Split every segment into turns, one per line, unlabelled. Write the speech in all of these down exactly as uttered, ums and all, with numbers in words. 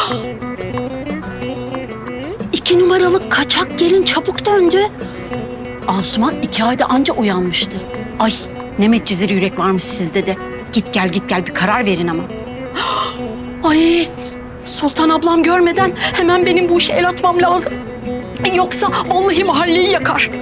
İki numaralı kaçak gelin çabuk döndü. Asuman iki ayda anca uyanmıştı. Ay ne medceziri yürek varmış sizde de. Git gel git gel bir karar verin ama. Ay Sultan ablam görmeden hemen benim bu işe el atmam lazım. Yoksa vallahi mahalleyi yakar.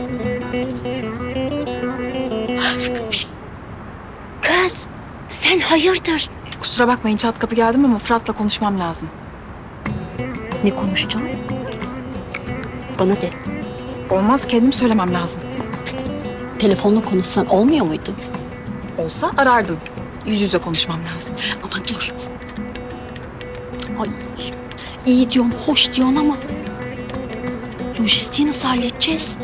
Kız sen hayırdır?
Kusura bakmayın çat kapı geldim ama Fırat'la konuşmam lazım.
Ne konuşacağım? Bana de.
Olmaz, kendim söylemem lazım.
Telefonla konuşsan olmuyor muydu?
Olsa arardım. Yüz yüze konuşmam lazım.
Ama dur. Ay iyi diyorsun, hoş diyorsun ama lojistiği nasıl halledeceğiz?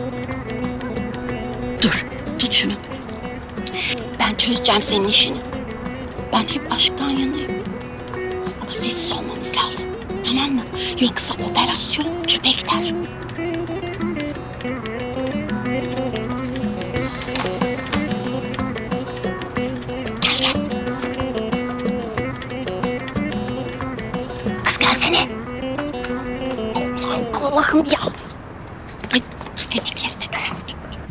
Dur, tut şunu. Ben çözeceğim senin işini. Ben hep aşktan yanayım. Ama sessiz olmamız lazım. Tamam mı? Yoksa operasyon çöpe gider. Gel gel. Kız gelsene. Allah'ım Allah'ım ya. Ay, çekecek yerine düşürdü.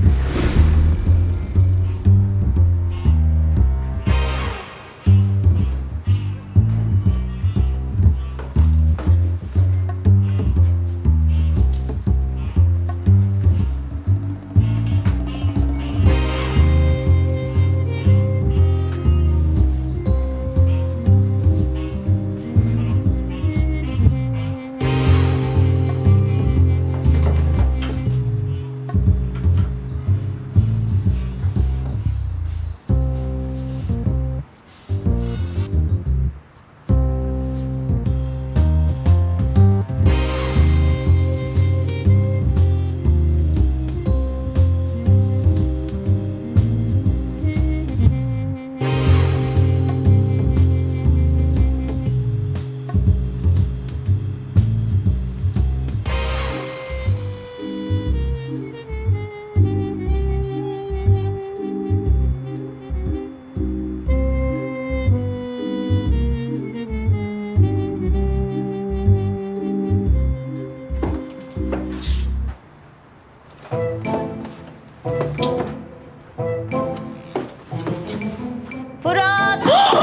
Fırat!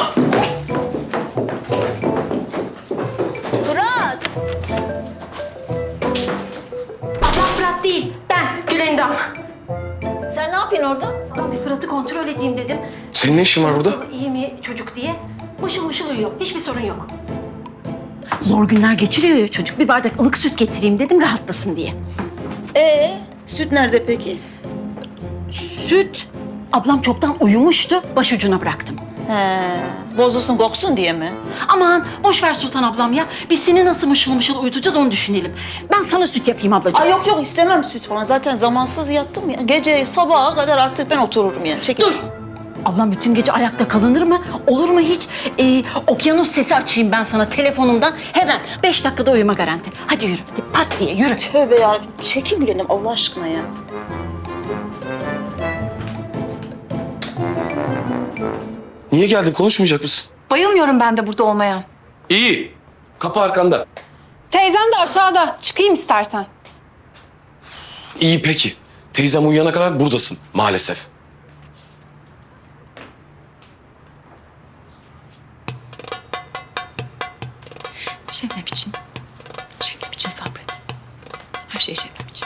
Fırat!
Ablam Fırat değil, ben Gülendam.
Sen ne yapıyorsun orada?
Bir Fırat'ı kontrol edeyim dedim.
Senin ne işin var burada?
Nasıl, iyi mi çocuk diye. Mışıl mışıl uyuyor, hiçbir sorun yok. Zor günler geçiriyor ya çocuk. Bir bardak ılık süt getireyim dedim rahatlasın diye.
Ee, süt nerede peki?
Süt? Ablam çoktan uyumuştu, başucuna bıraktım.
He, bozulsun koksun diye mi?
Aman boş ver Sultan ablam ya. Biz seni nasıl mışıl mışıl uyutacağız onu düşünelim. Ben sana süt yapayım ablacığım.
Ay yok yok istemem süt falan. Zaten zamansız yattım ya. Gece sabaha kadar artık ben otururum yani. Çekil.
Dur. Ablam bütün gece ayakta kalınır mı? Olur mu hiç? Ee, okyanus sesi açayım ben sana telefonumdan. Hemen beş dakikada uyuma garanti. Hadi yürü. Hadi pat diye yürü.
Tövbe yarabbim. Çekil Gülenim Allah aşkına ya.
Niye geldin? Konuşmayacak mısın?
Bayılmıyorum ben de burada olmaya.
İyi. Kapı arkanda.
Teyzen de aşağıda. Çıkayım istersen.
İyi peki. Teyzem uyuyana kadar buradasın maalesef.
Şebnem için. Şebnem için sabret. Her şey Şebnem için.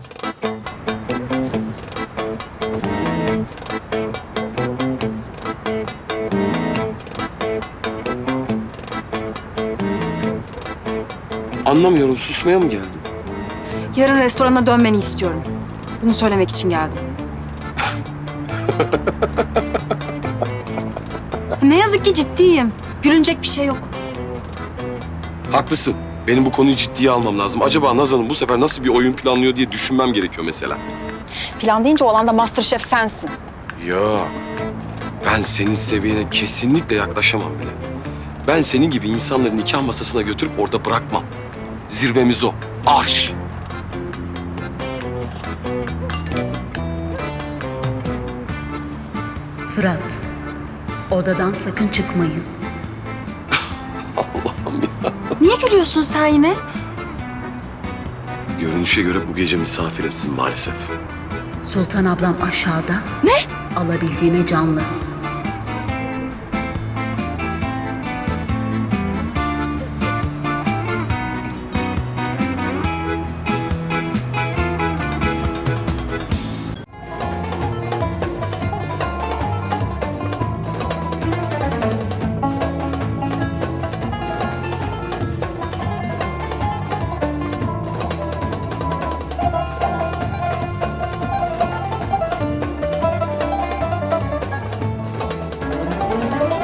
Anlamıyorum. Susmaya mı geldin?
Yarın restorana dönmeni istiyorum. Bunu söylemek için geldim. Ne yazık ki ciddiyim. Gülünecek bir şey yok.
Haklısın. Benim bu konuyu ciddiye almam lazım. Acaba Nazan'ın bu sefer nasıl bir oyun planlıyor diye düşünmem gerekiyor mesela.
Plan deyince olan da Masterchef sensin.
Yok. Ben senin seviyene kesinlikle yaklaşamam bile. Ben senin gibi insanları nikah masasına götürüp orada bırakmam. Zirvemiz o. Arş.
Fırat, odadan sakın çıkmayın.
Allah'ım ya.
Niye gülüyorsun sen yine?
Görünüşe göre bu gece misafirimsin maalesef.
Sultan ablam aşağıda. Ne? Alabildiğine canlı.